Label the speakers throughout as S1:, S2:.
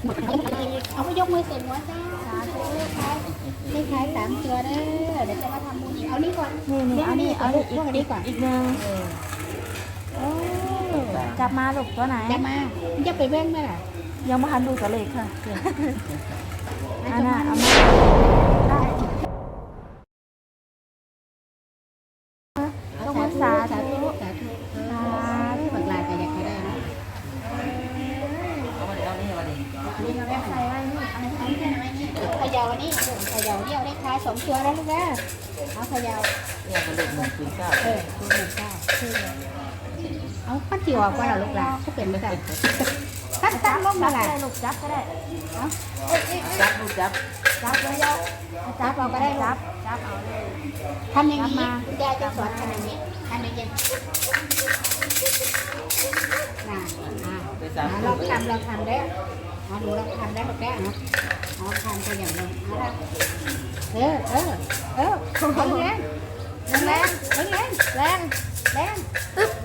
S1: เอาไปยกมือเสร็จหัวจ้าสาธุเลขท้าย3 ตัวเด้อเดี๋ยวจะมาทำบุญอีกเอานี่ก่อนนี่เอานี่เอาพวกนี้ก่อน
S2: อีกหนึ่งจับมาลูกตัวไหน
S1: จะมาจะไปเว้นไหมล่ะ
S2: ยังไม่ทันดูตัวเลขค่ะอันน่ะเอามาต้องมาสาธุ
S1: สาธุบักลาแต่อยากได้นะนี่เราได้ใส่ไว้นี่เอาใส่ไว้นี่เขย่านี่เขย่าเดี่ยวเลขท้าย2 ตัวแล้วลูกนะเอาเขย่า
S3: เนี่ยมันเด็ก109
S1: คือเอาขั้นที่ออกว่าเราลูกหลานเขาเป็นไม่ได้ขั้นลงมาไหน
S2: ลูกจับก็ได้
S3: จับลูกจับ
S2: เลยจับเราก็ได้จับเอาเลย
S1: ทำอย่างนี้ยายจะสอนทำอย่างนี้ทำอย่างนี้เราทำได้ดูเราทำได้แบบแก่เนาะทำตัวอย่างนี้แรง
S2: อึ๊บ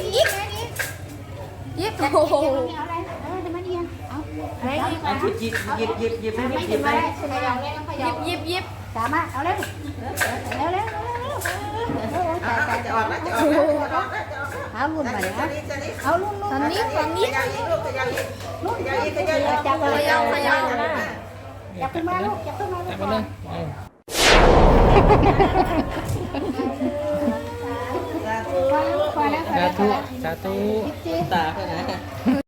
S2: ยิบโอ้โห
S1: เอาอะไรจะมาเอียงเอา
S2: อะไรยิบ
S3: หยิบ
S1: ไม่ถึงอะไรขยับเลยขยับ
S2: ยิบ
S1: สามารถเอาเร็ว
S3: จะออกแล้ว
S1: เอาลุ่นไปนะเอาลุ่น
S2: ฝั่งนี้
S1: ลุ่นจับเลยจับขึ้นมาลูกจับขึ้นมาเลยพอแล้ว
S3: สาธุตาเท่านั้น